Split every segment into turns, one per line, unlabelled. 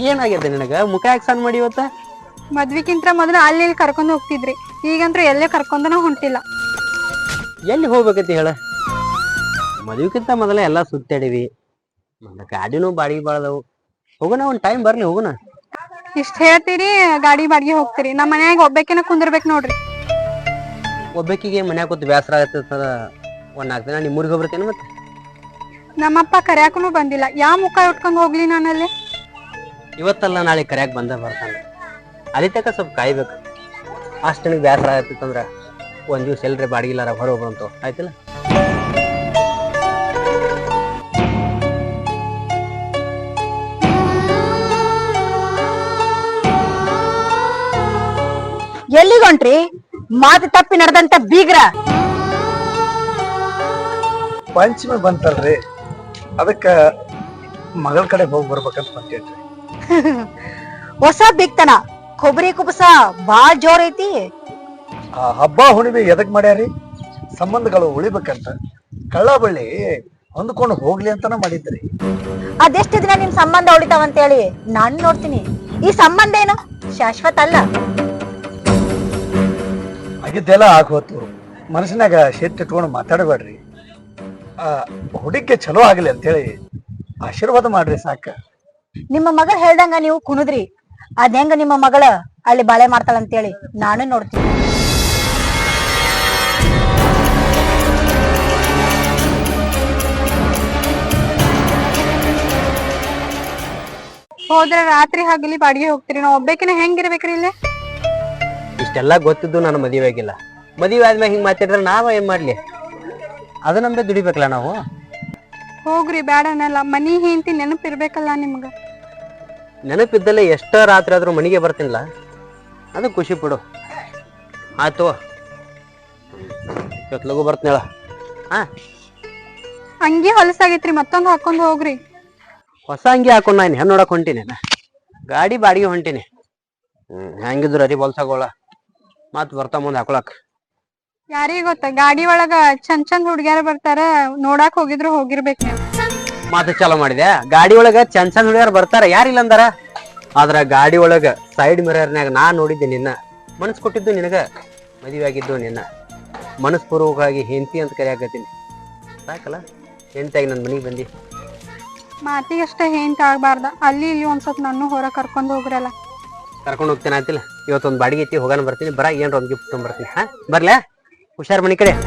ಏನಾಗಿದೆ ನಿನಗ? ಮುಖ ಯಾಕೆ ಸಣ್ಣ ಮಾಡಿ ಇವತ್ತ?
ಮದ್ವಿಗಿಂತ ಮೊದಲು ಅಲ್ಲಿ ಕರ್ಕೊಂಡ್ ಹೋಗ್ತಿದ್ರಿ, ಈಗಂತ್ರ ಎಲ್ಲೇ ಕರ್ಕೊಂಡನ ಹೊಂಟಿಲ್ಲ.
ಎಲ್ಲಿ ಹೋಗ್ಬೇಕೈತಿ ಹೇಳ? ಮದ್ವಿಗಿಂತ ಮೊದಲ ಎಲ್ಲಾ ಸುತ್ತಾಡಿವಿ, ಗಾಡಿನೂ ಬಾಡಿಗೆ ಬಾಳದವು. ಹೋಗೋಣ, ಒಂದ್ ಟೈಮ್ ಬರ್ಲಿ ಹೋಗೋಣ.
ಇಷ್ಟ ಹೇಳ್ತೀರಿ, ಗಾಡಿ ಬಾಡಿಗೆ ಹೋಗ್ತೀರಿ. ನಮ್ಮ ಮನ್ಯಾಗ ಒಬ್ಬಾಕಿನ ಕುಂದಿರ್ಬೇಕು ನೋಡ್ರಿ.
ಒಬ್ಬಾಕಿಗೆ ಮನ್ಯಾಗ ಕೂತ್ ಬೇಸರ ಆಗತ್ತದ. ಒಂದ್ 4 ದಿನ ನಿಮ್ಮೂರಿಗೆ ಹೋಗ್ಬರ್ತೇನೆ. ಮತ್ತೆ
ನಮ್ಮಪ್ಪ ಕರ್ಯಾಕನು ಬಂದಿಲ್ಲ, ಯಾವ ಮುಖ ಉಟ್ಕೊಂಡ್ ಹೋಗ್ಲಿ ನಾನಲ್ಲಿ?
ಇವತ್ತಲ್ಲ ನಾಳೆ ಕರ್ಯಾಕ್ ಬಂದ ಬರ್ತಾನೆ. ಅಲ್ಲಿ ತಕ ಸ್ವಲ್ಪ ಕಾಯ್ಬೇಕು. ಅಷ್ಟು ನನಗೆ ಬೇಸರ ಆಗತ್ತಿತ್ತಂದ್ರ ಒಂದ್ ದಿವ್ಸ ಎಲ್ರಿ ಬಾಡಿಗಿಲ್ಲಾರ ಹೊರ ಹೋಗ್ಬಂತು, ಆಯ್ತಿಲ್ಲ?
ಎಲ್ಲಿಗೊಂಟ್ರಿ? ಮಾತು ತಪ್ಪಿ ನಡೆದಂತ ಬೀಗ್ರ.
ಪಂಚಮಿ ಬಂತಲ್ರಿ, ಅದಕ್ಕ ಮಗಳ ಕಡೆ ಹೋಗಿ ಬರ್ಬೇಕಂತ ಬಂತೇನ್ರಿ.
ಹೊಸ ಬಿಗ್ತನ ಕೊಬ್ಬರಿ ಕುಬಸ ಬಾಳ್ ಜೋರ್ ಐತಿ.
ಆ ಹಬ್ಬ ಹುಣಿಮೆ ಎದಕ್ ಮಾಡ್ಯಾರಿ? ಸಂಬಂಧಗಳು ಉಳಿಬೇಕಂತ, ಕಳ್ಳ ಬಳ್ಳಿ ಹೊಂದ್ಕೊಂಡು ಹೋಗ್ಲಿ ಅಂತಾನ ಮಾಡಿದ್ರಿ.
ಅದೆಷ್ಟು ದಿನ ನಿಮ್ ಸಂಬಂಧ ಉಳಿತಾವಂತೇಳಿ ನಾನು ನೋಡ್ತೀನಿ. ಈ ಸಂಬಂಧ ಏನು ಶಾಶ್ವತ ಅಲ್ಲ.
ಆಗಿದ್ದೆಲ್ಲ ಆಗೋತು, ಮನಸ್ಸಿನಾಗ ಶೆಟ್ ಇಟ್ಕೊಂಡು ಮಾತಾಡಬೇಡ್ರಿ. ಹುಡುಗಿ ಚಲೋ ಆಗ್ಲಿ ಅಂತೇಳಿ ಆಶೀರ್ವಾದ ಮಾಡ್ರಿ ಸಾಕ.
ನಿಮ್ಮ ಮಗಳು ಹೇಳ್ದಂಗ ನೀವು ಕುಣುದ್ರಿ, ಅದ್ ಹೆಂಗ ನಿಮ್ಮ ಮಗಳ ಅಲ್ಲಿ ಬಾಳೆ ಮಾಡ್ತಾಳಂತೇಳಿ ನಾನು ನೋಡ್ತೀನಿ.
ಹೋದ್ರ ರಾತ್ರಿ ಹಗಲಿ ಬಾಡಿಗೆ ಹೋಗ್ತೀರಿ, ನಾವ್ ಒಬ್ಬಾಕಿನ ಹೆಂಗಿರ್ಬೇಕ್ರಿ ಇಲ್ಲೇ?
ಇಷ್ಟೆಲ್ಲ ಗೊತ್ತಿದ್ದು ನಾನು ಮದುವೆ ಆಗಿಲ್ಲ. ಮದುವೆ ಆದ್ಮೇಲೆ ಹಿಂಗ್ ಮಾತಾಡಿದ್ರೆ ನಾವ ಏನ್ ಮಾಡ್ಲಿ? ಅದ ನಮ್ದೆ ದುಡಿಬೇಕಲ್ಲ ನಾವು.
ಹೋಗ್ರಿ, ಬ್ಯಾಡ ಅನ್ನಲ್ಲ. ಮನಿ ಹೆಂಡತಿ ನೆನಪಿರ್ಬೇಕಲ್ಲ ನಿಮ್ಗ.
ನೆನಪಿದ್ದಲ್ಲೇ ಎಷ್ಟ ರಾತ್ರಿ ಆದ್ರೂ ಮನೆಗೆ ಬರ್ತೀನಿಲ್ಲ, ಅದು ಖುಷಿ ಪಡು. ಆಯ್ತು, ಇವತ್ತು ಲಗು ಬರ್ತೀನಳ.
ಅಂಗಿ ಹೊಲಸಾಗೈತ್ರಿ, ಮತ್ತೊಂದ್ ಹಾಕೊಂಡ್ ಹೋಗ್ರಿ.
ಹೊಸ ಅಂಗಿ ಹಾಕೊಂಡ್ ನಾನು ಹೆಣ್ ನೋಡಕ್ ಹೊಂಟೀನಿ, ಗಾಡಿ ಬಾಡಿಗೆ ಹೊಂಟೀನಿ. ಹೆಂಗಿದ್ರು ಅರಿ ಹೊಲ್ಸಾಗೋಳ ಮತ್ ಬರ್ತಾ ಮುಂದ್ ಹಾಕೊಳಕ್.
ಯಾರಿಗ ಗೊತ್ತ, ಗಾಡಿ ಒಳಗ ಚಂದ್ ಹುಡ್ಗ್ಯಾರ ಬರ್ತಾರ, ನೋಡಾಕ್ ಹೋಗಿದ್ರು ಹೋಗಿರ್ಬೇಕ್ ನೀವು.
ಮಾತು ಚಾಲೋ ಮಾಡಿದೆ. ಗಾಡಿ ಒಳಗ ಚಂದ್ ಹುಡುಗಿಯರ್ ಬರ್ತಾರ, ಯಾರಿಲ್ಲ ಅಂದಾರ? ಆದ್ರ ಗಾಡಿ ಒಳಗ ಸೈಡ್ ಮಿರರ್ನ್ಯಾಗ ನಾ ನೋಡಿದ್ದೆ ನಿನ್ನ. ಮನಸ್ ಕೊಟ್ಟಿದ್ದು ನಿನಗ, ಮದುವೆ ಆಗಿದ್ದು ನಿನ್ನ. ಮನಸ್ಪೂರ್ವಕವಾಗಿ ಹೆಂಡತಿ ಅಂತ ಕರೆಯಾಕತ್ತೀನಿ. ಸಾಕಲ್ಲ, ಹೆಂಡತಿಯಾಗಿ ನನ್ ಮನಿಗೆ ಬಂದಿ.
ಮಾತಿಗಷ್ಟ ಹೆಂಟ್ ಆಗ್ಬಾರ್ದ, ಅಲ್ಲಿ ಇಲ್ಲಿ ಒಂದ್ ಸ್ವಲ್ಪ ನಾನು ಹೊರ ಕರ್ಕೊಂಡ್ ಹೋಗ್ರಲ್ಲ.
ಕರ್ಕೊಂಡು ಹೋಗ್ತೇನೆ ಆಯ್ತಿಲ್ಲ. ಇವತ್ತೊಂದು ಬಾಡಿಗೆ ಐತಿ, ಹೋಗಾನ ಬರ್ತೀನಿ. ಬರ ಏನ್ರ ಒಂದ್ ಗಿಫ್ಟ್ ತೊಗೊಂಡ್ಬರ್ತೀನಿ. ಬರ್ಲಾ? ಹುಷಾರ್ ಮನಿ ಕಡೆ.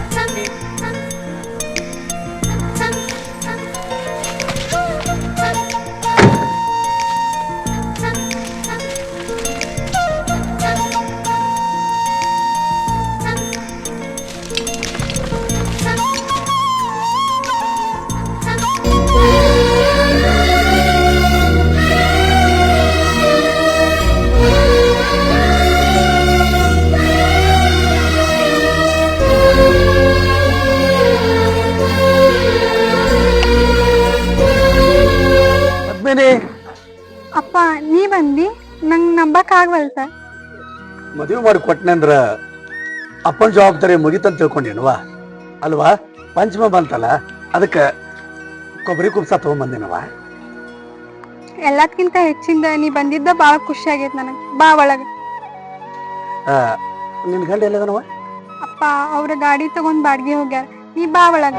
ಅಪ್ಪ ನೀ ಬಂದಿ, ನಂಗ್ ನಂಬಕ್ ಆಗ್ವಲ್ತ.
ಮದುವೆ ಮಾಡಿ ಕೊಟ್ಟನಂದ್ರ ಅಪ್ಪನ ಜವಾಬ್ದಾರಿ ಮುಗಿತಂತ ತಿಳ್ಕೊಂಡೇನವಾ? ಅಲ್ವಾ? ಪಂಚಮ ಬಂತಲ್ಲ, ಅದಕ್ಕ ಕೊಬ್ಬರಿ ಕುಬ್ಸ ತಗೊಂಬಂದಿನವಾ.
ಎಲ್ಲದಕ್ಕಿಂತ ಹೆಚ್ಚಿಂದ ನೀ ಬಂದಿದ್ದ ಬಾಳ ಖುಷಿ ಆಗೈತ್ ನನಗ್. ಬಾ ಒಳಗ.
ನಿನ್ ಗಂಡ ಎಲ್ಲದನವ?
ಅಪ್ಪ ಅವ್ರ ಗಾಡಿ ತಗೊಂಡ್ ಬಾಡ್ಗೆ ಹೋಗ್ಯಾರ, ನೀ ಬಾ ಒಳಗ.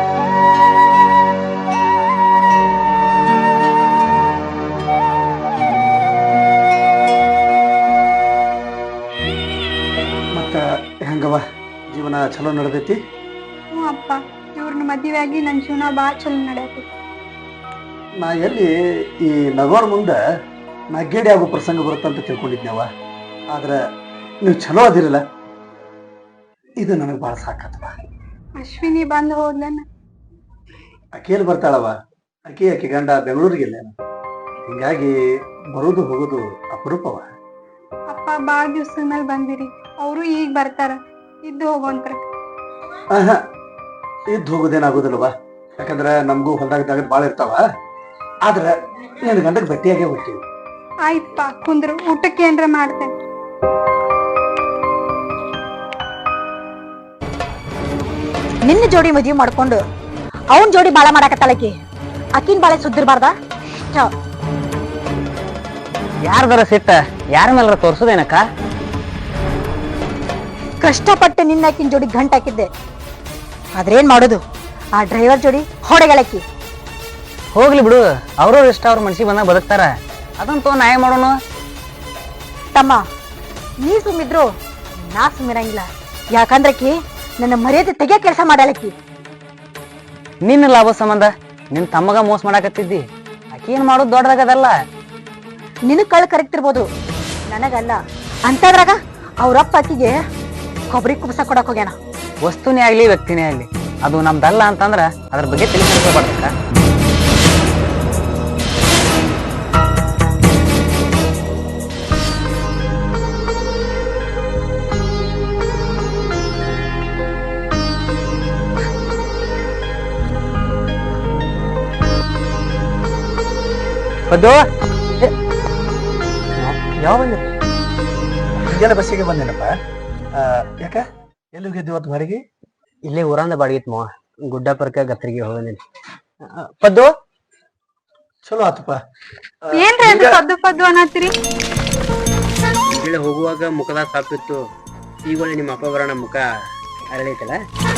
ಹೆಂಗವ, ಜೀವನ ಚಲೋ ನಡೆದೈತಿ?
ಹ್ಞೂ ಅಪ್ಪ, ಇವ್ರನ್ನ ಮದುವೆ ಆಗಿ ನನ್ ಜೀವನ ಬಾಳ ಚಲೋ ನಡೆಯತಿ.
ನಾ ಎಲ್ಲಿ ಈ ನಗೋರ್ ಮುಂದ ನಗ್ಗೇಡಿ ಆಗೋ ಪ್ರಸಂಗ ಬರುತ್ತಂತ ತಿಳ್ಕೊಂಡಿದ್ನವ. ಆದ್ರ ನೀವು ಚಲೋ ಅದಿರಲ್ಲ, ಇದು ನನಗೆ ಬಾಳ ಸಾಕತ್ತವ.
ಅಶ್ವಿನಿ ಬಂದ್ ಹೋದ್ಲನ್ನ?
ಅಕ್ಕೇಲಿ ಬರ್ತಾಳವ. ಅಕ್ಕಿ ಗಂಡ ಬೆಂಗಳೂರಿಗಿಲ್ಲ, ಹಿಂಗಾಗಿ ಬರೋದು ಹೋಗೋದು ಅಪರೂಪವ.
ಅಪ್ಪ ಬಾಳ ದಿವ್ಸದ ಮೇಲೆ ಬಂದಿರಿ, ಅವರು ಈಗ ಬರ್ತಾರ, ಇದ್ದು ಹೋಗೋಂತ್ರ.
ಇದ್ದು ಹೋಗೋದೇನಾಗೋದಿಲ್ಲವ, ಯಾಕಂದ್ರ ನಮಗೂ ಹೊಲ್ದಾಗ ಬಾಳ ಇರ್ತಾವ. ಆದ್ರ ನಿನ್ ಗಂಡಕ್ ಭೇಟಿಯಾಗೇ ಹೋಗ್ತೀವಿ.
ಆಯ್ತಪ್ಪ, ಕುಂದ್ರು, ಊಟಕ್ಕೆ ಏನ್ರ ಮಾಡ್ತೇನೆ.
ನಿನ್ನ ಜೋಡಿ ಮದ್ವಿ ಮಾಡ್ಕೊಂಡು ಅವನ್ ಜೋಡಿ ಬಾಳ ಮಾಡಾಕತ್ತಾಳಕಿ. ಅಕ್ಕಿನ ಬಾಳೆ ಸುದ್ದಿರ್ಬಾರ್ದ?
ಯಾರ್ದಾರ ಸಿಟ್ಟ ಯಾರ ಮೇಲಾರ ತೋರ್ಸುದೇನಕ್ಕ?
ಕಷ್ಟಪಟ್ಟು ನಿನ್ನಾಕಿನ ಜೋಡಿ ಗಂಟ್ ಹಾಕಿದ್ದೆ, ಆದ್ರೇನ್ ಮಾಡೋದು, ಆ ಡ್ರೈವರ್ ಜೋಡಿ ಹೊಡೆಗಳಕ್ಕಿ.
ಹೋಗ್ಲಿ ಬಿಡು, ಅವ್ರವ್ರ ಇಷ್ಟ ಅವ್ರ ಮನ್ಸಿಗೆ ಬಂದಾಗ ಬದುಕ್ತಾರ, ಅದಂತೂ ನ್ಯಾಯ ಮಾಡೋನು.
ತಮ್ಮ, ನೀ ಸುಮ್ಮಿದ್ರು ನಾ ಸುಮ್ಮಿರಂಗಿಲ್ಲ. ಯಾಕಂದ್ರಕಿ ನನ್ನ ಮರ್ಯಾದೆ ತೆಗಿಯ ಕೆಲಸ ಮಾಡಲಕ್ಕಿ.
ನಿನ್ನ ಲಾಭ ಸಂಬಂಧ ನಿನ್ ತಮ್ಮಗ ಮೋಸ ಮಾಡಾಕತ್ತಿದ್ದಿ, ಆಕಿ ಏನ್ ಮಾಡೋದು ದೊಡ್ಡದಾಗದಲ್ಲ.
ನಿನಗ್ ಕಳ್ ಕರೆಕ್ತಿರ್ಬೋದು, ನನಗಲ್ಲ. ಅಂತದ್ರಾಗ ಅವ್ರಪ್ಪ ಆಕಿಗೆ ಕೊಬ್ಬರಿ ಕುಬ್ಸ ಕೊಡಕ್ ಹೋಗ್ಯಾನ.
ವಸ್ತುನೇ ಆಗ್ಲಿ ವ್ಯಕ್ತಿನೇ ಆಗ್ಲಿ, ಅದು ನಮ್ದಲ್ಲ ಅಂತಂದ್ರ ಅದ್ರ ಬಗ್ಗೆ ತಿಳಿಸ್ಕೊಳ್ಬಾರ್ದಕ್ಕ.
ಪದ್ದು ಯಾವ ಬಂದ್ರಿ?
ಮುಂಜಾನೆ ಬಸ್ಸಿಗೆ ಬಂದೇನಪ್ಪ. ಯಾಕ ಎಲ್ಲಿ ಹೋಗಿದ್ದಿ ಇವತ್ತು ಹೊರಗೆ?
ಇಲ್ಲೇ ಊರಂದ ಬಾಡಿಗಿತ್ ಮಾವ, ಗುಡ್ಡಾಪುರಕ್ಕೆ ಗತ್ರಿಗೆ ಹೋಗಿದ್ದೀನಿ. ಪದ್ದು
ಚಲೋ ಆತಪ್ಪ.
ಏನ್ರಿ ಅದು ಪದ್ದು ಪದ್ದು ಅನ್ನತ್ತೀರಿ?
ಇಲ್ಲಿ ಹೋಗುವಾಗ ಮುಖದಾಗ ಸಾಪಿತ್ತು, ಈಗ ಒಳ್ಳೆ ನಿಮ್ಮ ಅಪ್ಪ ಬರೋಣ ಮುಖ ಅರಳೈತಲ್ಲ.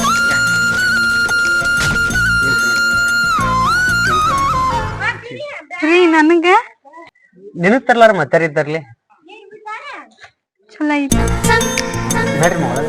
ರೀ ನನಗ
ನಿನಗ್ ತರ್ಲಾರ ಮತ್ತಾರ ತರ್ಲಿ.
ಚಲೋ ಐತಿ
ನೋಡ್ರಿ ಮಾವ,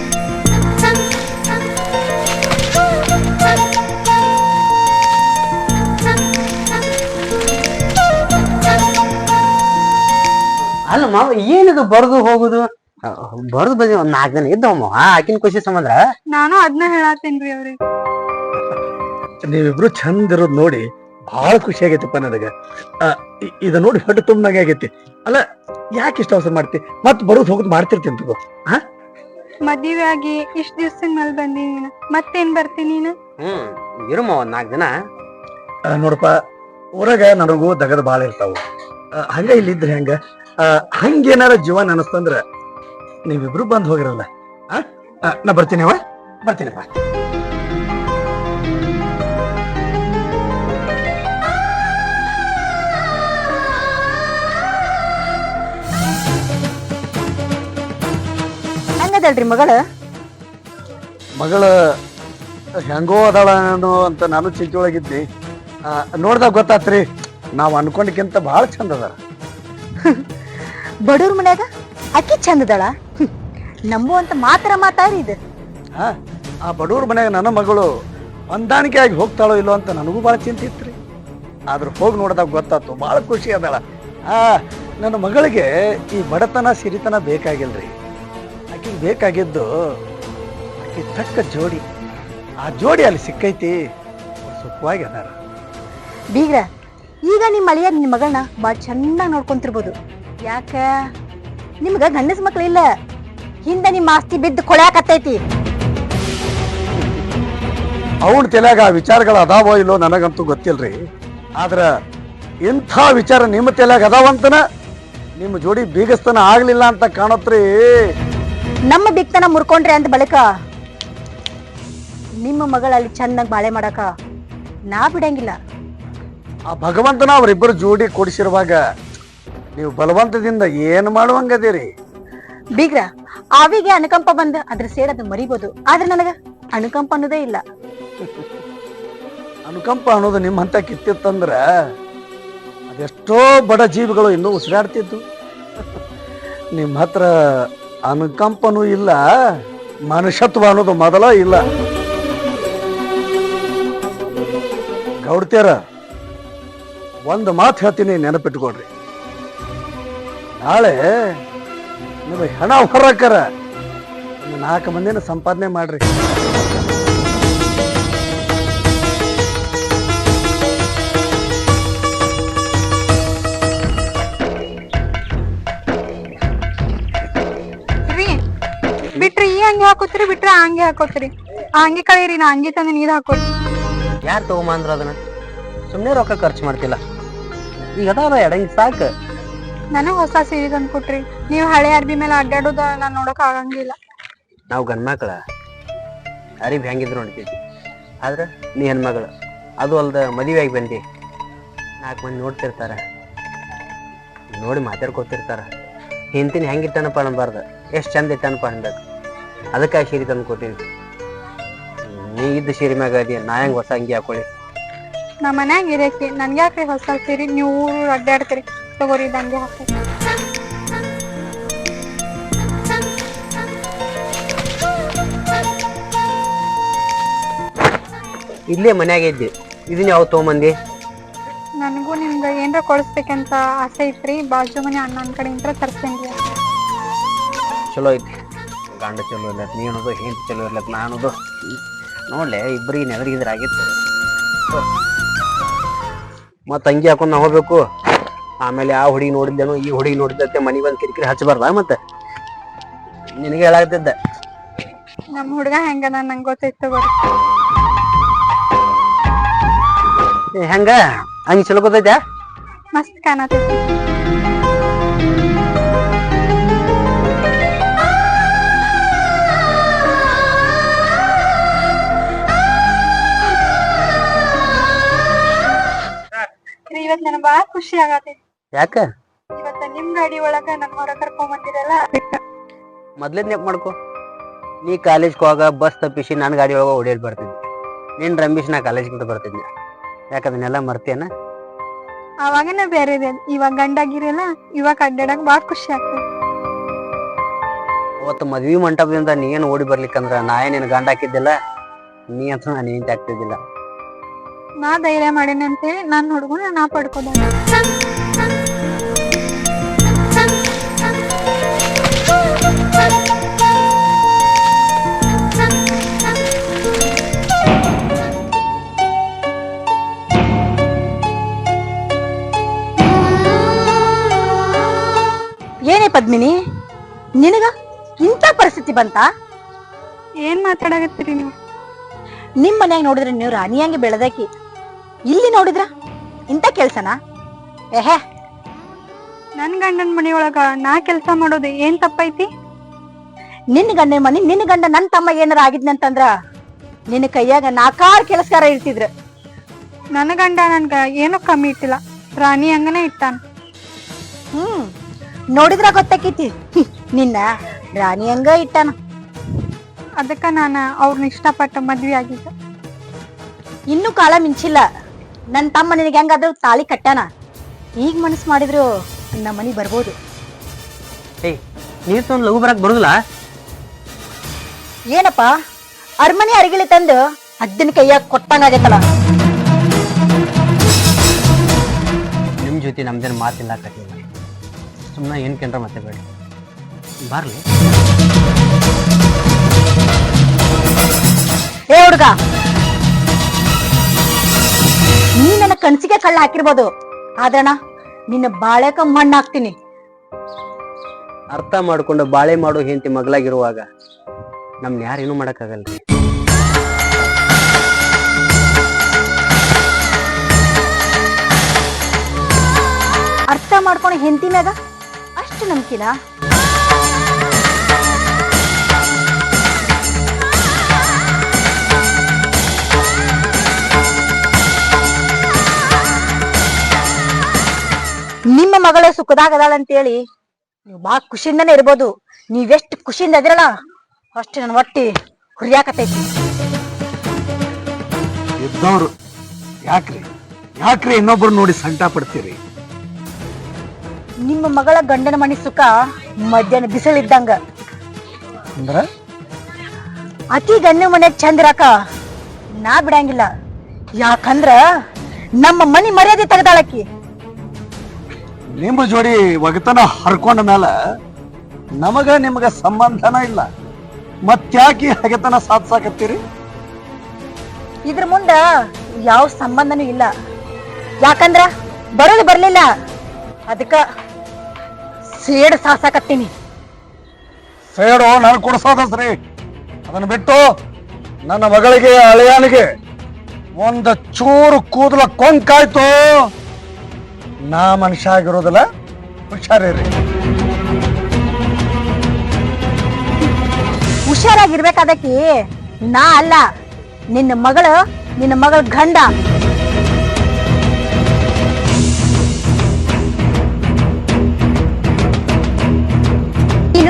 ಅಲ್ಲ ಮಾವ ಏನಿದು ಬರದು ಹೋಗುದು? ಬರದು ಬದಿ ಒಂದ್ 4 ದಿನ ಇದ್ದವ ಮಾವ, ಆಕಿನ ಖುಷಿ ಸಂಬಂಧ.
ನಾನು ಅದನ್ನ ಹೇಳತ್ತೇನ್ರಿ ಅವ್ರಿಗೆ.
ನೀವಿಬ್ರು ಚಂದ ಇರೋದ್ ನೋಡಿ ಬಹಳ ಖುಷಿ ಆಗೈತಪ್ಪ ನನಗ. ಇದ ನೋಡಿ ಹೊಟ್ಟೆ ತುಂಬನಾಗೆ ಆಗೈತಿ. ಅಲ್ಲ, ಯಾಕೆ ಇಷ್ಟ ಅವಸರ ಮಾಡ್ತಿ? ಮತ್ ಬರೋದ್ ಹೋಗುದ್ ಮಾಡ್ತಿರ್ತೀನಿ ತಗೋ.
ಮದ್ವೆ ಆಗಿ ಇಷ್ಟ ದಿವ್ಸದ ಮೇಲೆ ಬಂದಿ ನೀನು, ಮತ್ತೇನ್ ಬರ್ತೀನಿ ನೀನು?
ಇರು ಮಾವ 4 ದಿನ.
ನೋಡಪ್ಪ, ಊರಾಗ ನನಗೂ ದಗದ ಬಾಳ ಇರ್ತಾವ. ಹಂಗ ಇಲ್ಲಿದ್ರೆ ಹಂಗ ಹಂಗೇನಾರ ಜೀವನ ಅನಸ್ತಂದ್ರ ನೀವಿಬ್ರು ಬಂದ್ ಹೋಗಿರಲ್ಲ. ನಾ ಬರ್ತೀನಿವ, ಬರ್ತೀನಪ್ಪ.
ಹಂಗದಲ್ರಿ ಮಗಳ?
ಮಗಳ ಹೆಂಗೋ ಅದಾಳ ಅಂತ ನಾನು ಚಿಂತೆ ಒಳಗಿದ್ನಿ. ನೋಡ್ದಾಗ ಗೊತ್ತಾತ್ರಿ, ನಾವ್ ಅನ್ಕೊಂಡಕ್ಕಿಂತ ಬಹಳ ಚಂದ ಅದಾರ.
ಬಡವ್ರ ಮನ್ಯಾಗ ಅಕ್ಕಿ ಚಂದದಳ ನಂಬುವಂತ ಮಾತ್ರ ಮಾತಾಡಿ ಇದು.
ಆ ಬಡವ್ರ ಮನ್ಯಾಗ ನನ್ನ ಮಗಳು ಹೊಂದಾಣಿಕೆ ಆಗಿ ಹೋಗ್ತಾಳೋ ಇಲ್ಲೋ ಅಂತ ನನಗೂ ಬಹಳ ಚಿಂತೆ ಇತ್ರಿ. ಆದ್ರ ಹೋಗಿ ನೋಡಿದಾಗ ಗೊತ್ತಾತು, ಬಹಳ ಖುಷಿ ಅದಾಳ. ನನ್ನ ಮಗಳಿಗೆ ಈ ಬಡತನ ಸಿರಿತನ ಬೇಕಾಗಿಲ್ರಿ. ಆಕಿಗೆ ಬೇಕಾಗಿದ್ದು ಆಕಿ ತಕ್ಕ ಜೋಡಿ. ಆ ಜೋಡಿ ಅಲ್ಲಿ ಸಿಕ್ಕೈತಿ, ಸುಖವಾಗಿ ಅದಾರ.
ಬೀಗ್ರ, ಈಗ ನಿಮ್ಮ ಅಳಿಯ ನಿಮ್ ಮಗಳನ್ನ ಬಾಳ ಚೆನ್ನಾಗಿ ನೋಡ್ಕೊಂತಿರ್ಬೋದು. ಯಾಕ ನಿಮ್ಗ ಗಂಡಸ ಮಕ್ಳು ಇಲ್ಲ, ಹಿಂದ ನಿಮ್ಮ ಆಸ್ತಿ ಬಿದ್ದು ಕೊಳ್ಯಾಕತ್ತೈತಿ.
ಅವಳ ತಲೆಯಾಗ ಆ ವಿಚಾರಗಳು ಅದಾವೋ ಇಲ್ಲೋ ನನಗಂತೂ ಗೊತ್ತಿಲ್ರಿ. ಆದ್ರ ಇಂಥ ವಿಚಾರ ನಿಮ್ಮ ತಲೆಯಾಗ ಅದಾವಂತನ ನಿಮ್ಮ ಜೋಡಿ ಬೀಗಸ್ತನ ಆಗ್ಲಿಲ್ಲ ಅಂತ ಕಾಣತ್ರಿ.
ನಮ್ಮ ಬಿಕ್ತನ ಮುರ್ಕೊಂಡ್ರಿ ಅಂತ ಬಳಿಕ ನಿಮ್ಮ ಮಗಳಲ್ಲಿ ಚೆನ್ನಾಗಿ ಬಾಳೆ ಮಾಡಕ ನಾ ಬಿಡಂಗಿಲ್ಲ.
ಆ ಭಗವಂತನ ಅವರಿಬ್ಬರು ಜೋಡಿ ಕೊಡಿಸಿರುವಾಗ ನೀವು ಬಲವಂತದಿಂದ ಏನು ಮಾಡುವಂಗದಿರಿ?
ಬೀಗ್ರ, ಆವಿಗೆ ಅನುಕಂಪ ಬಂದ ಅದ್ರ ಸೇಡದು ಮರಿಬೋದು, ಆದ್ರೆ ನನಗ ಅನುಕಂಪ ಅನ್ನೋದೇ ಇಲ್ಲ.
ಅನುಕಂಪ ಅನ್ನೋದು ನಿಮ್ಮ ಹಂತ ಕಿತ್ತಿತ್ತಂದ್ರ ಅದೆಷ್ಟೋ ಬಡ ಜೀವಿಗಳು ಇನ್ನೂ ಉಸಿರಾಡ್ತಿದ್ದು. ನಿಮ್ಮ ಹತ್ರ ಅನುಕಂಪನೂ ಇಲ್ಲ, ಮನುಷ್ಯತ್ವ ಅನ್ನೋದು ಮೊದಲ ಇಲ್ಲ. ಗೌಡ್ತಿಯರ, ಒಂದು ಮಾತು ಹೇಳ್ತೀನಿ, ನೆನಪಿಟ್ಕೊಡ್ರಿ. ನಾಳೆ ನಿಮಗೆ ಹಣ ಹೊರಕರ 4 ಮಂದಿನ ಸಂಪಾದನೆ ಮಾಡ್ರಿ.
ಬಿಟ್ರಿ ಈ ಅಂಗಿ ಹಾಕೋತ್ರಿ, ಬಿಟ್ರೆ ಆ ಅಂಗಿ ಹಾಕೋತ್ರಿ. ಆ ಅಂಗಿ ಕಳೀರಿ, ನಾ ಅಂಗಿ ತಂದು ನೀರ್ ಹಾಕೋರಿ.
ಯಾರು ತಗೊಂಬಂದ್ರ ಅದನ್ನ? ಸುಮ್ನೆ ರೊಕ್ಕ ಖರ್ಚು ಮಾಡ್ತಿಲ್ಲ, ಈಗ ಅದಾವ ಎಡಂಗಿ ಸಾಕು.
ನನಗ್ ಹೊಸ ಸೀರೆ ತಂದು ಕೊಟ್ರಿ. ನೀವ್ ಹಳೆ ಅರ್ಬಿ ಮೇಲೆ ಅಡ್ಡಾಡೋದ ನಾನ್ ನೋಡಕ್ ಆಗಂಗಿಲ್ಲ.
ನಾವು ಗಂಡ್ಮಕ್ಳ ಅರಿಬ್ ಹೆಂಗಿದ್ರು ನೋಡ್ತೀವಿ, ಆದ್ರೆ ನೀ ಹೆಣ್ಮಗಳು. ಅದು ಅಲ್ದ ಮದುವೆ ಆಗಿ ಬಂದಿ, 4 ಮಂದಿ ನೋಡ್ತಿರ್ತಾರ. ನೋಡಿ ಮಾತಾಡ್ಕೊತಿರ್ತಾರ. ಹಿಂತಿನ ಹೆಂಗೆ ಇಟ್ಟನಪ್ಪ ಅನ್ಬಾರ್ದು, ಎಷ್ಟು ಚಂದ ಇಟ್ಟನಪ್ಪ ಅನ್ಬೇಕು. ಅದಕ್ಕೆ ಸೀರೆ ತಂದು ಕೊಟ್ಟಿನಿ. ನೀ ಇದ್ದ ಸೀರೆ ಮ್ಯಾಗ ಅದಿ, ನಾ ಹೆಂಗೆ ಹೊಸ ಅಂಗಿ ಹಾಕೊಳ್ಳಿ?
ನಮ್ಮ ಮನ್ಯಾಗ ಇರಕ್ಕೆ ನನ್ಗೆ ಯಾಕ್ರಿ ಹೊಸ ಸೀರೆ? ನೀವು ಊರು ಅಡ್ಡಾಡ್ತೀರಿ, ತಗೋರಿ ದಂಗೆ ಹಾಕಿ.
ಇಲ್ಲೇ ಮನ್ಯಾಗ ಇದ್ದಿ, ಇದನ್ನ ಯಾವ ತೊಗೊಂಬಂದಿ?
ನನಗೂ ನಿಮ್ಗೆ ಏನ್ರ ಕೊಡಿಸ್ಬೇಕಂತ ಆಸೆ ಐತ್ರಿ. ಬಾಜು ಮನೆ ಅಣ್ಣನ ಕಡೆಯಿಂದ ತರ್ಸೇನ್ರಿ.
ಚಲೋ ಐತಿ. ಗಂಡ ಚಲೋ ಇರ್ಲತ್, ನೀ ಅನ್ನೋದು ಹೆಂಡತಿ ಚಲೋ ಇರ್ಲತ್, ನಾ ಅನ್ನೋದು ನೋಡ್ಲೆ ಇಬ್ಬರಿಗೆ ನೆದರಿಗಿದ್ರೆ ಆಗಿತ್ತು. ಮತ್ತೆ ಅಂಗಿ ಹಾಕೊಂಡು ನಾ ಹೋಗ್ಬೇಕು. ಆಮೇಲೆ ಆ ಹುಡುಗಿ ನೋಡಿದ್ದೇನೋ ಈ ಹುಡುಗಿ ನೋಡಿದ್ದೆ ಮನೆಗೆ ಬಂದು ಕಿರಿಕಿರಿ ಹಚ್ಚಬಾರ್ದ. ಮತ್ತೆ ನಿನಗೆ ಹೇಳಾಗ್ತಿದ್ದೆ.
ನಮ್ಮ ಹುಡುಗ ಹೆಂಗದ ನಂಗೆ ಗೊತ್ತೈತ್ ತಗೋರಿ.
ಹೆಂಗ ಹಂಗೆ ಚಲೋ ಗೊತ್ತೈತೆ?
ಮಸ್ತ್ ಕಾಣತೈತಿ. ಇವತ್ ನನಗ್ ಬಾಳ ಖುಷಿ ಆಗತೈತಿ.
ಯಾಕ?
ಇವತ್ತ ನಿಮ್ ಗಾಡಿ ಒಳಗ ನನ್ ಹೊರ ಕರ್ಕೊಂಡ್ ಬಂದಿರಲ್ಲ, ಅದಕ್ಕ.
ಮೊದ್ಲೇದ್ ನೆಪ್ ಮಾಡ್ಕೊ. ನೀ ಕಾಲೇಜ್ಗೆ ಹೋಗ ಬಸ್ ತಪ್ಪಿಸಿ ನಾನು ಗಾಡಿ ಒಳಗ ಓಡೇಳಿ ಬರ್ತಿದ್ದೆ. ನೀನ್ ರಮೇಶ್ ನಾ ಕಾಲೇಜ್ಗಿಂತ ಬರ್ತಿದ್ದೆ. ಯಾಕದನ್ನೆಲ್ಲ ಮರ್ತೇನ?
ಅವಾಗನ ಬೇರೆ ಇದೆ. ಇವಾಗ ಗಂಡಾಗಿರಲ್ಲ, ಇವಾಗ ಅಡ್ಡಾಡಕ್ ಬಾಳ ಖುಷಿ ಆಗ್ತದೆ.
ಅವತ್ತು ಮದ್ವಿ ಮಂಟಪದಿಂದ ನೀ ಏನು ಓಡಿ ಬರ್ಲಿಕ್ಕಂದ್ರ ನಾ ಏನೇನು ಗಂಡ ಹಾಕಿದ್ದಿಲ್ಲ, ನೀ ಅಂತ ನಾನು ಏನ್ ಆಗ್ತಿದ್ದಿಲ್ಲ.
ನಾ ಧೈರ್ಯ ಮಾಡೇನಿ ಅಂತೇಳಿ ನನ್ನ ಹುಡುಗನ ನಾ ಪಡ್ಕೋದ.
ಏನೇ ಪದ್ಮಿನಿ, ನಿನಗ ಇಂಥ ಪರಿಸ್ಥಿತಿ ಬಂತ?
ಏನ್ ಮಾತಾಡಕತ್ತೀರಿ ನೀವು?
ನಿಮ್ ಮನ್ಯಾಗ ನೋಡಿದ್ರೆ ನೀವು ರಾಣಿಯಂಗೆ ಬೆಳೆದಾಕಿ, ಇಲ್ಲಿ ನೋಡಿದ್ರ ಇಂಥ ಕೆಲ್ಸನಾ? ಏಹೆ,
ನನ್ ಗಂಡನ ಮನೆಯೊಳಗ ನಾ ಕೆಲ್ಸ ಮಾಡೋದು ಏನ್ ತಪ್ಪೈತಿ?
ನಿನ್ನ ಗಂಡನ ಮನಿ, ನಿನ್ನ ಗಂಡ ನನ್ ತಮ್ಮ ಏನಾರ ಆಗಿದ್ನಂತಂದ್ರ ನಿನ್ನ ಕೈಯಾಗ 4 ಕೆಲಸಗಾರ ಇರ್ತಿದ್ರ.
ನನ್ನ ಗಂಡ ನನ್ಗ ಏನು ಕಮ್ಮಿ ಇಟ್ಟಿಲ್ಲ, ರಾಣಿ ಹಂಗನೇ ಇಟ್ಟಾನ.
ನೋಡಿದ್ರ ಗೊತ್ತಾಕೈತಿ, ನಿನ್ನ ರಾಣಿ ಹಂಗ ಇಟ್ಟಾನ.
ಅದಕ್ಕ ನಾನ ಅವ್ರನ್ನ ಇಷ್ಟಪಟ್ಟ ಮದ್ವಿ ಆಗಿದ್ದ.
ಇನ್ನೂ ಕಾಲ ಮಿಂಚಿಲ್ಲ. ನನ್ ತಮ್ಮ ನಿನಗೆ ಹೆಂಗಾದ್ರು ತಾಳಿ ಕಟ್ಟಾನ. ಈಗ ಮನಸ್ಸು ಮಾಡಿದ್ರು ನಮ್ಮ ಮನಿ ಬರ್ಬೋದು.
ಏಯ್, ನೀರ್ ತೊಂದ್ ಲಘು ಬರಕ್ ಬರುದಿಲ್ಲ?
ಏನಪ್ಪ, ಅರಮನೆ ಅರಿಗಿಳಿ ತಂದು ಅಜ್ಜನ ಕೈಯಾಗ ಕೊಟ್ಟಂಗಾಗೈತಲ್ಲ.
ನಿಮ್ ಜೊತೆ ನಮ್ದೇನು ಮಾತಿಲ್ಲ ಕಟ್ಟಿಲ್ಲ. ಸುಮ್ಮನೆ ಏನ್ ಕೆಂಡ್ರ ಮತ್ತೆ ಬೇಡ ಬರ್ಲಿ.
ಏ ಹುಡುಗ, ನೀ ನನ್ನ ಕನ್ಸಿಗೆ ಕಳ್ಳ ಹಾಕಿರ್ಬೋದು, ಆದ್ರಣ ನಿನ್ನ ಬಾಳೆಕ ಮಣ್ಣು ಹಾಕ್ತೀನಿ.
ಅರ್ಥ ಮಾಡ್ಕೊಂಡು ಬಾಳೆ ಮಾಡೋ ಹೆಂಡತಿ ಮಗಳಾಗಿರುವಾಗ ನಮ್ನ ಯಾರೇನು ಮಾಡಕ್ಕಾಗಲ್ರಿ.
ಅರ್ಥ ಮಾಡ್ಕೊಂಡು ಹೆಂಡತಿ ಮ್ಯಾಗ ಅಷ್ಟು ನಂಬಿಕಿನ? ನಿಮ್ಮ ಮಗಳ ಸುಖದಾಗದಾಳಂತೇಳಿ ನೀವು ಬಾ ಖುಷಿಯಿಂದನೇ ಇರ್ಬೋದು. ನೀವೆಷ್ಟು ಖುಷಿಯಿಂದ ಅದಿರಲ್ಲ ಅಷ್ಟು ನನ್ನ ಹೊಟ್ಟಿ ಹುರಿಯಾಕತೈತಿ.
ಇದ್ದವ್ರು ಯಾಕ್ರಿ ಇನ್ನೊಬ್ರು ನೋಡಿ ಸಂಕಟ ಪಡ್ತೀರಿ?
ನಿಮ್ಮ ಮಗಳ ಗಂಡನ ಮನಿ ಸುಖ ಮಧ್ಯಾಹ್ನ ಬಿಸಿಲಿದ್ದಂಗ.
ಅಂದ್ರ
ಅತಿ ಗಂಡನ ಮನೆ ಚಂದ ಇರಾಕ ನಾ ಬಿಡಂಗಿಲ್ಲ. ಯಾಕಂದ್ರ ನಮ್ಮ ಮನಿ ಮರ್ಯಾದೆ ತೆಗ್ದಾಳಕಿ.
ನಿಮ್ಮ ಜೋಡಿ ಒಗತನ ಹರ್ಕೊಂಡ ಮೇಲ ನಮಗ ನಿಮಗ ಸಂಬಂಧನ ಇಲ್ಲ, ಮತ್ತ್ಯಾಕಿ ಹಗೆತನ ಸಾಧಿಸಾಕತ್ತೀರಿ?
ಇದ್ರ ಮುಂದ ಯಾವ ಸಂಬಂಧನೂ ಇಲ್ಲ. ಯಾಕಂದ್ರ ಬರೋದು ಬರ್ಲಿಲ್ಲ, ಅದಕ್ಕ ಸೇಡ್ ಸಾಸಾಕತ್ತೀನಿ.
ಸೇಡು ನಾನು ಕೊಡ್ಸೋದಸ್ರಿ. ಅದನ್ನ ಬಿಟ್ಟು ನನ್ನ ಮಗಳಿಗೆ ಅಳಿಯಾನಿಗೆ ಒಂದು ಚೂರು ಕೂದಲ ಕೊಂಕಾಯ್ತು, ನಾ ಮನುಷ್ಯ ಆಗಿರೋದಿಲ್ಲ. ಹುಷಾರಿರಿ.
ಹುಷಾರಾಗಿರ್ಬೇಕಾದಕಿ ನಾ ಅಲ್ಲ, ನಿನ್ನ ಮಗಳ ಗಂಡ.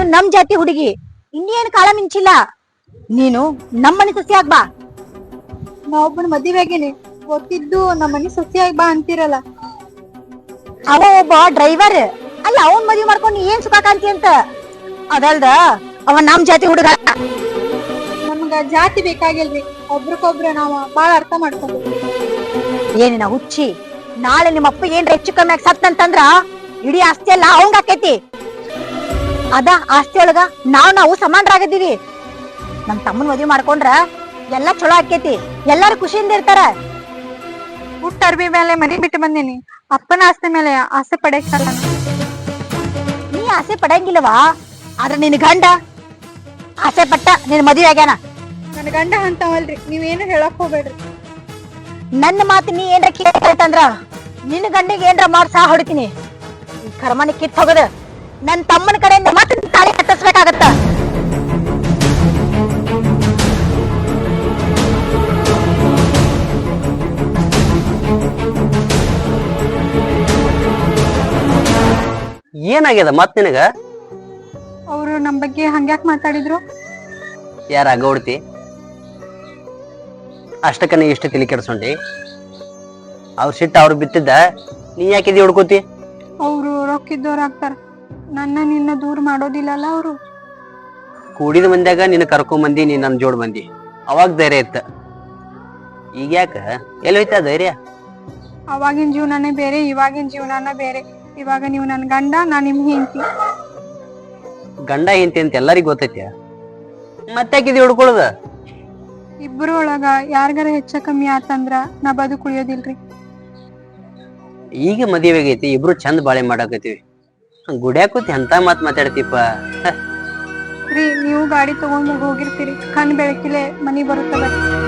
ನಮ್ ಜಾತಿ ಹುಡುಗಿ ಇನ್ನೇನ್ ಕಾಳ ಮಿಂಚಿಲ್ಲ. ನೀನು ನಮ್ಮನೆ ಸೊಸೆ ಆಗ್ಬಾ.
ನಾ ಒಬ್ಬನ ಮದುವೆ ಆಗೇನಿ, ಗೊತ್ತಿದ್ದು ನಮ್ಮ ಮನಿ ಸೊಸೆಯಾಗಿ ಬಾ ಅಂತೀರಲ್ಲ.
ಅವ ಒಬ್ಬ ಡ್ರೈವರ್ ಅಲ್ಲ, ಅವನ್ ಮದ್ವಿ ಮಾಡ್ಕೊಂಡು ಏನ್ ಸುಖ ಕಾಂತಿ ಅಂತ. ಅದಲ್ದ ಅವ ನಮ್ ಜಾತಿ ಹುಡುಗ.
ನಮ್ಗ ಜಾತಿ ಬೇಕಾಗಿಲ್ರಿ, ಒಬ್ರಕೊಬ್ರ ನಾವ ಬಾಳ ಅರ್ಥ ಮಾಡ್ಕೊಂಡು.
ಏನಿನ ಹುಚ್ಚಿ, ನಾಳೆ ನಿಮ್ಮ ಅಪ್ಪ ಏನ್ರ ಹೆಚ್ಚು ಕಮ್ಮಿ ಆಗಿ ಸತ್ತಂತಂದ್ರ ಇಡೀ ಆಸ್ತಿ ಎಲ್ಲ ಅವಂಗ ಆಕೈತಿ. ಅದ ಆಸ್ತಿ ಒಳಗ ನಾವು ಸಮಾನರಾಗದೀವಿ. ನಮ್ ತಮ್ಮನ್ ಮದ್ವಿ ಮಾಡ್ಕೊಂಡ್ರ ಎಲ್ಲಾ ಚಲೋ ಆಕೇತಿ, ಎಲ್ಲಾರು ಖುಷಿಯಿಂದ ಇರ್ತಾರ.
ಹುಟ್ಟ ಅರ್ಬಿ ಮೇಲೆ ಮನಿ ಬಿಟ್ಟು ಬಂದೇನಿ, ಅಪ್ಪನ ಆಸ್ತಿ ಮೇಲೆ ಆಸೆ ಪಡೆಯಲ್ಲ.
ನೀ ಆಸೆ ಪಡಂಗಿಲ್ಲವಾ? ಆದ್ರ ನಿನ್ ಗಂಡ ಆಸೆ ಪಟ್ಟ ನಿನ್ ಮದ್ವೆ ಆಗ್ಯಾನ.
ನನ್ ಗಂಡ ಅಂತವಲ್ರಿ, ನೀವೇನು ಹೇಳಕ್ ಹೋಗ್ಬೇಡ್ರಿ.
ನನ್ನ ಮಾತು ನೀ ಏನ್ರ ಕೇಳ್ತಂದ್ರ ನಿನ್ನ ಗಂಡಿಗೆ ಏನ್ರ ಮಾಡ್ ಸಹ ಹೊಡಿತೀನಿ. ಈ ಕರ್ಮನಿ ಕಿತ್ ಹೋಗದ ನನ್ ತಮ್ಮನ ಕಡೆಯಿಂದ ಮತ್ತೆ ತಾಳಿ ಕಟ್ಟಿಸ್ಬೇಕಾಗತ್ತ.
ಏನಾಗ್ಯದ ಮತ್ ನಿನಗ?
ಅವ್ರು ನಮ್ ಬಗ್ಗೆ ಹಂಗ್ಯಾಕ್ ಮಾತಾಡಿದ್ರು?
ಯಾರ ಗೌಡ್ತಿ ಅಷ್ಟಕ್ಕ ನೀ ಇಷ್ಟ ತಲೆ ಕೆಡ್ಸೊಂಡಿ? ಅವ್ರ ಸಿಟ್ಟ ಅವ್ರು ಬಿತ್ತಿದ್ದ, ನೀ ಯಾಕಿದಿ ಹುಡ್ಕೋತಿ?
ಅವ್ರು ರೊಕ್ಕಿದ್ದವ್ರ ಆಗ್ತಾರ, ನನ್ನ ನಿನ್ನ ದೂರ ಮಾಡೋದಿಲ್ಲಲ್ಲ ಅವ್ರು.
ಕೂಡಿದ ಮಂದ್ಯಾಗ ನಿನ್ನ ಕರ್ಕೊಂಡ್ ಬಂದಿ, ನೀ ನನ್ ಜೋಡ್ ಬಂದಿ, ಅವಾಗ ಧೈರ್ಯ ಇತ್ತ. ಈಗ ಯಾಕ ಎಲ್ಲಿ ಹೋಯ್ತಾ ಧೈರ್ಯ?
ಅವಾಗಿನ ಜೀವನನೇ ಬೇರೆ, ಇವಾಗಿನ ಜೀವನನ ಬೇರೆ. ಇವಾಗ ನೀವು ನನ್ ಗಂಡ, ನಾ ನಿಮ್ ಹೆಂಡತಿ.
ಗಂಡ ಹೆಂಡತಿ ಅಂತ ಎಲ್ಲರಿಗೂ ಗೊತ್ತೈತಿ, ಮತ್ತಾಕಿದಿ ಹುಡ್ಕೊಳದ?
ಇಬ್ರು ಒಳಗ ಯಾರ್ಗಾರ ಹೆಚ್ಚ ಕಮ್ಮಿ ಆತಂದ್ರ ನಾ ಬದುಕುಳಿಯೋದಿಲ್ರಿ.
ಈಗ ಮದುವೆ ಆಗೈತಿ, ಇಬ್ರು ಚಂದ ಬಾಳೆ ಮಾಡಾಕತ್ತೀವಿ, ಗುಡ್ಯಾಕೂತಿ ಅಂತ ಮಾತ್ ಮಾತಾಡ್ತಿಪ್ಪ.
ರೀ, ನೀವು ಗಾಡಿ ತಗೊಂಡ್ ಹೋಗಿರ್ತೀರಿ, ಕಣ್ ಬೆಳಕಿಲೆ ಮನಿ ಬರುತ್ತದ.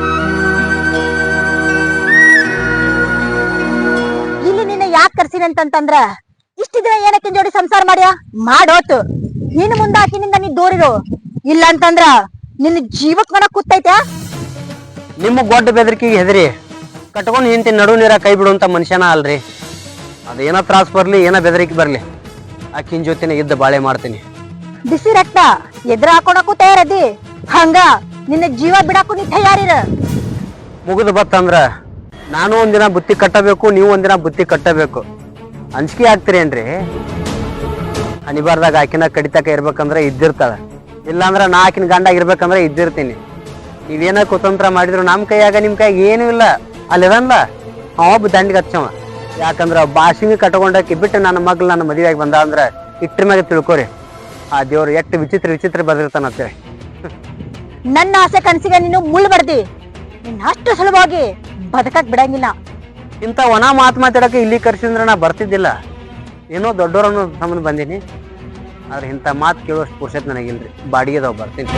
ಇಲ್ಲಿ ನಿನ್ನ ಯಾಕೆ ಕರ್ಸಿನಿ ಅಂತಂದ್ರ ಇಷ್ಟ ದಿನ ಏನಕ್ಕೆ ಜೋಡಿ ಸಂಸಾರ ಮಾಡ್ಯ ಮಾಡೋತು. ನಿನ್ನ ಮುಂದ ಆಕಿನಿಂದ ನೀ ದೂರಿರು, ಇಲ್ಲ ಅಂತಂದ್ರ ನಿನ್ನ ಜೀವಕ್ ಮನ ಕೂತೈತೆ.
ನಿಮ್ಮ ಗೊಡ್ಡ ಬೆದರಿಕೆಗೆ ಹೆದರಿ ಕಟ್ಕೊಂಡ್ ನಿಂತಿ ನಡು ನೀರ ಕೈ ಬಿಡುವಂತ ಮನುಷ್ಯನ ಅಲ್ರಿ. ಅದೇನ ತ್ರಾಸ್ ಬರ್ಲಿ, ಏನ ಬೆದರಿಕೆ ಬರ್ಲಿ, ಆಕಿನ ಜೊತೆನೆ ಇದ್ದ ಬಾಳೆ ಮಾಡ್ತೀನಿ.
ಬಿಸಿ ರಕ್ತ ಎದ್ರ ಹಾಕೊಳಕ್ಕೂ ತಯಾರದಿ, ಹಂಗ ನಿನ್ನ ಜೀವ ಬಿಡಾಕು ನೀ ತಯಾರಿರ.
ಮುಗಿದು ಬತ್ತಂದ್ರ ನಾನು ಒಂದಿನ ಬುತ್ತಿ ಕಟ್ಟಬೇಕು, ನೀವು ಒಂದಿನ ಬುತ್ತಿ ಕಟ್ಟಬೇಕು. ಅಂಜಿಕೆ ಆಗ್ತೀರೇನ್ರಿ? ಅನಿಬಾರ್ದಾಗ ಆಕಿನ ಕಡಿತಕ ಇರ್ಬೇಕಂದ್ರೆ ಇದ್ದಿರ್ತಾಳ, ಇಲ್ಲಾಂದ್ರ ನಾ ಆಕಿನ ಗಂಡಾಗ ಇರ್ಬೇಕಂದ್ರೆ ಇದ್ದಿರ್ತೀನಿ. ನೀವೇನ ಕುತಂತ್ರ ಮಾಡಿದ್ರು ನಮ್ ಕೈಯಾಗ ನಿಮ್ ಕೈಯಾಗ ಏನೂ ಇಲ್ಲ. ಅಲ್ಲಿದನ್ಲ ಒಬ್ಬ ದಂಡಿಗೆ ಹಚ್ಚವ, ಯಾಕಂದ್ರ ಬಾಸಿಂಗ್ ಕಟ್ಕೊಂಡಾಕಿ ಬಿಟ್ಟು ನನ್ನ ಮಗ್ಳು ನನ್ನ ಮದುವೆಯಾಗಿ ಬಂದ ಅಂದ್ರ ಇಟ್ರ ಮ್ಯಾಗ ತಿಳ್ಕೊರಿ, ಆ ದೇವ್ರು ಎಷ್ಟು ವಿಚಿತ್ರ ವಿಚಿತ್ರ ಬದಿರ್ತಾನಂತೇಳಿ.
ನನ್ನ ಆಸೆ ಕನಸಿಗೆ ನೀನು ಮುಳ್ಳು ಬಡ್ದಿ, ನಿನ್ನ ಅಷ್ಟು ಸುಲಭವಾಗಿ ಬದುಕಕ್ ಬಿಡಂಗಿಲ್ಲ.
ಇಂಥ ಒಣ ಮಾತು ಮಾತಾಡಕ್ಕೆ ಇಲ್ಲಿ ಕರ್ಸಿದ್ರೆ ನಾ ಬರ್ತಿದ್ದಿಲ್ಲ. ಏನೋ ದೊಡ್ಡವರನ್ನು ಸಂಬಂಧ ಬಂದೀನಿ, ಆದ್ರೆ ಇಂಥ ಮಾತು ಕೇಳುವಷ್ಟು ಪುರುಷತ್ ನನಗಿಲ್ರಿ. ಬಾಡಿಗೆದವ್ ಬರ್ತೀನಿ.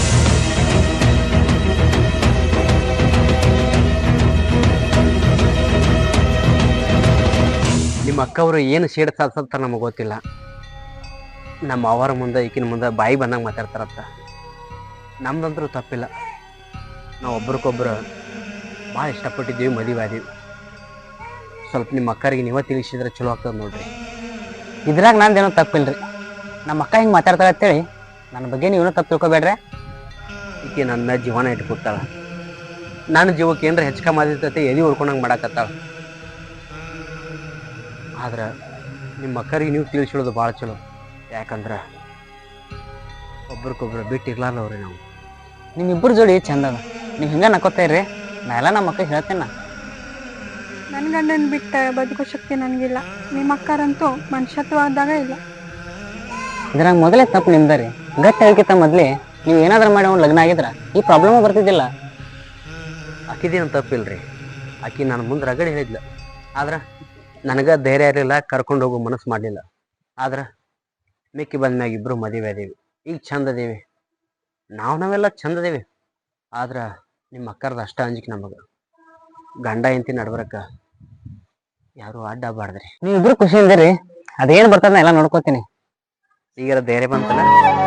ನಿಮ್ಮ ಅಕ್ಕವರು ಏನು ಸೇಡ್ ಸಾಧಿಸ್ತಾರ ನಮಗೆ ಗೊತ್ತಿಲ್ಲ. ನಮ್ಮ ಅವರ ಮುಂದೆ ಈಕಿನ ಮುಂದೆ ಬಾಯಿ ಬಂದಂಗೆ ಮಾತಾಡ್ತಾರತ್ತ. ನಮ್ದಂತರೂ ತಪ್ಪಿಲ್ಲ, ನಾವು ಒಬ್ರಿಗೊಬ್ರು ಭಾಳ ಇಷ್ಟಪಟ್ಟಿದ್ದೀವಿ, ಮದುವೆ ಆದೀವಿ. ಸ್ವಲ್ಪ ನಿಮ್ಮ ಅಕ್ಕರಿಗೆ ನೀವೇ ತಿಳಿಸಿದ್ರೆ ಚಲೋ ಆಗ್ತದೆ ನೋಡ್ರಿ.
ಇದ್ರಾಗ ನಂದೇನೋ ತಪ್ಪಿಲ್ರಿ. ನಮ್ಮ ಅಕ್ಕ ಹಿಂಗೆ ಮಾತಾಡ್ತಾಳೆ ಅಂತೇಳಿ ನನ್ನ ಬಗ್ಗೆ ನೀವೇನೋ ತಪ್ಪು ತಿಳ್ಕೊಬೇಡ್ರೆ.
ಈಕೆ ನನ್ನ ಜೀವನ ಇಟ್ಕೊತಾಳ, ನನ್ನ ಜೀವಕ್ಕೆ ಏನ್ರ ಹೆಚ್ಚು ಕಮ್ಮಿ ಆದಿರ್ತೈತೆ ಎದಿ ಉಳ್ಕೊಂಡಂಗೆ ಮಾಡಾಕತ್ತಾಳ. ಆದ್ರೆ ನಿಮ್ಮ ಅಕ್ಕರಿಗೆ ನೀವು ತಿಳಿಸಿಡೋದು ಭಾಳ ಚಲೋ, ಯಾಕಂದ್ರೆ ಒಬ್ರಿಗೊಬ್ರು ಬಿಟ್ಟಿರ್ಲಾರ್ದವ್ರಿ ನಾವು.
ನಿಮ್ಮಿಬ್ಬರು ಜೋಡಿ ಚಂದ ಅದ, ನೀವು ಹಿಂಗೆ ನಕ್ಕೋತಾ ಇರ್ರಿ. ನಾ ಎಲ್ಲ ನಮ್ಮ ಅಕ್ಕ ಹೇಳ್ತೇನೆ.
ನನ್ ಗಂಡನ್ ಬಿಟ್ಟ ಬದುಕೋ ಶಕ್ತಿ ನನ್ಗಿಲ್ಲ. ನಿಮ್ಮ ಅಕ್ಕರಂತೂ ಮನುಷ್ಯತ್ವದಾಗ ಇಲ್ಲ.
ಇದ್ರಾಗ ಮೊದಲೇ ತಪ್ಪು ನಿಮ್ದ ರೀ. ಗಟ್ಟಿ ಹೇಳ್ಕಿತ್ತ ಮೊದ್ಲೇ ನೀವು ಏನಾದ್ರೂ ಮಾಡಿ ಅವ್ನು ಲಗ್ನ ಆಗಿದ್ರ ಈ ಪ್ರಾಬ್ಲಮ್ ಬರ್ತಿದ್ದಿಲ್ಲ.
ಆಕಿದೇನು ತಪ್ಪಿಲ್ರಿ, ಆಕಿ ನಾನು ಮುಂದೆ ರಗಡೆ ಹೇಳಿದ್ಲ, ಆದ್ರೆ ನನಗೆ ಧೈರ್ಯ ಇರಲಿಲ್ಲ, ಕರ್ಕೊಂಡು ಹೋಗೋ ಮನಸ್ಸು ಮಾಡಲಿಲ್ಲ. ಆದ್ರೆ ಮಿಕ್ಕಿ ಬಂದ್ಮ್ಯಾಗ ಇಬ್ಬರು ಮದುವೆ ಅದೀವಿ, ಈಗ ಚಂದ ಅದೀವಿ, ನಾವೆಲ್ಲ ಚಂದ ಅದೀವಿ. ಆದ್ರೆ ನಿಮ್ಮ ಅಕ್ಕರ್ದು ಅಷ್ಟ ಅಂಜಿಕೆ ನಮಗೆ. ಗಂಡ ಹೆಂಡತಿ ನಡ್ಬರಕ್ಕ ಯಾರು ಅಡ್ಡ ಬಾರ್ದ್ರಿ.
ನೀವಿಬ್ರು ಖುಷಿಯಿಂದ ರೀ, ಅದೇನು ಬರ್ತದ ಎಲ್ಲ ನೋಡ್ಕೋತೀನಿ.
ಈಗ ಧೈರ್ಯ ಬಂತಲ್ಲ.